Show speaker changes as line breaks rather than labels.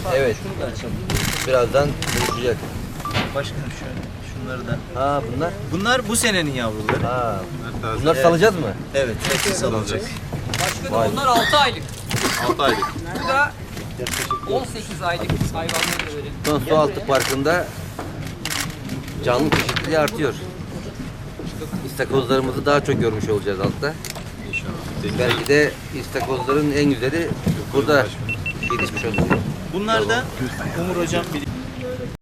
Evet.
Şunu da açalım.
Birazdan buluşacak.
Başkanım şöyle. Şunları da.
Ha bunlar?
Bunlar bu senenin yavruları.
Ha. Bunlar salacağız mı?
Evet. Hepsi salınacak.
Başkanım
Vay.
onlar 6 aylık.
6 aylık.
Bu da 18 aylık hayvanları da verelim.
Son su altı parkında canlı çeşitliliği artıyor. İstakozlarımızı daha çok görmüş olacağız altta.
İnşallah.
Belki de istakozların en güzeli burada yetişmiş olacak.
Bunlar da Umur hocam